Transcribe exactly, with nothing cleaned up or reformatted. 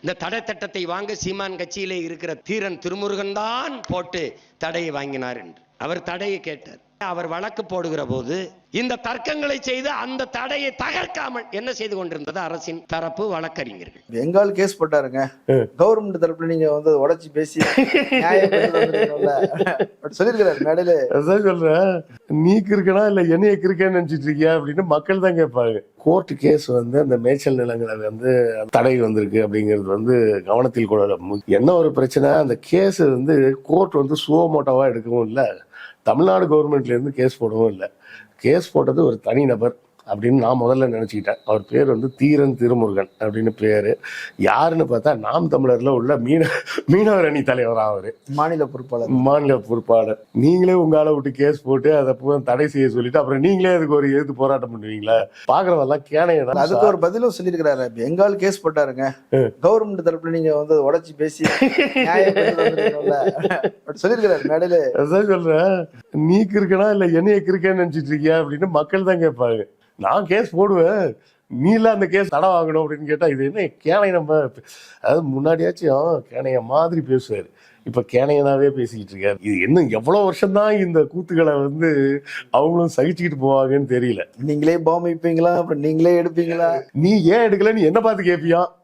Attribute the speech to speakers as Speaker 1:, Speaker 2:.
Speaker 1: இந்த தடை திட்டத்தை வாங்க சீமான் கட்சியிலே இருக்கிற தீரன் திருமுருகன் தான் போட்டு தடையை வாங்கினார் என்று அவர் தடையை கேட்டார். அவர் வழக்கு போடுகிற போது இந்த தர்க்கங்களை செய்து அந்த தடையை தகர்க்காமல் என்ன செய்து கொண்டிருந்தது அரசின் தரப்பு வழக்கறிஞர்கள்.
Speaker 2: பெங்கால் கேஸ் போட்டாருங்க, கவர்மெண்ட் தரப்புல நீங்க வந்து உடைச்சு பேசி சொல்லிருக்கிறாரு மேடையில.
Speaker 3: அதான் சொல்றேன், நீக்கு இருக்கனா இல்ல என்னைய இருக்கேன்னு நினைச்சிட்டு இருக்கியா அப்படின்னு மக்கள் தான் கேட்பாங்க. கோர்ட் கேஸ் வந்து அந்த மேய்ச்சல் நிலங்களை வந்து தடை வந்திருக்கு அப்படிங்கிறது வந்து கவனத்தில் கொள்ள. என்ன ஒரு பிரச்சனை, அந்த கேஸ் வந்து கோர்ட் வந்து சுவமோட்டோவா எடுக்கவும் இல்லை, தமிழ்நாடு கவர்மெண்ட்ல இருந்து கேஸ் போடவும் இல்லை. கேஸ் போட்டது ஒரு தனி நபர் அப்படின்னு நான் முதல்ல நினைச்சுக்கிட்டேன். அவர் பேர் வந்து தீரன் திருமுருகன் அப்படின்னு பேரு. யாருன்னு பார்த்தா நாம் தமிழர்ல உள்ள மீன மீனவர் அணி தலைவர் அவரு,
Speaker 2: மாநில பொறுப்பாளர்.
Speaker 3: மாநில பொறுப்பாளர். நீங்களே உங்க ஆளை விட்டு கேஸ் போட்டு அதை தடை செய்ய சொல்லிட்டு அப்புறம் நீங்களே அதுக்கு ஒரு எதிர்த்து போராட்டம் பண்ணுவீங்களா? பாக்குறவெல்லாம் கேனைய.
Speaker 2: அதுக்கு ஒரு பதிலும் சொல்லியிருக்கிறாரு, பெங்கால் கேஸ் போட்டாருங்க, கவர்மெண்ட் தரப்புல நீங்க வந்து உடைச்சு பேசி சொல்லியிருக்கிறாரு மேடையில.
Speaker 3: அதான் சொல்றேன், நீக்கு இருக்கனா இல்ல என்னைய இருக்கேன்னு நினைச்சிட்டு இருக்கியா அப்படின்னு மக்கள் தான் கேட்பாங்க. நான் கேஸ் போடுவேன், நீல அந்த கேஸ் தடை வாங்கணும் அப்படின்னு கேட்டா இது என்ன கேனைய? நம்ம அதாவது முன்னாடியாச்சும் கேனைய மாதிரி பேசுவாரு, இப்ப கேனையனாவே பேசிக்கிட்டு இருக்காரு. இது இன்னும் எவ்வளவு வருஷம் தான் இந்த கூத்துக்களை வந்து அவங்களும் சகிச்சுக்கிட்டு போவாங்கன்னு தெரியல.
Speaker 2: நீங்களே பாம்பு வைப்பீங்களா, அப்புறம் நீங்களே எடுப்பீங்களா?
Speaker 3: நீ ஏன் எடுக்கல, நீ என்ன பார்த்து கேட்பியா?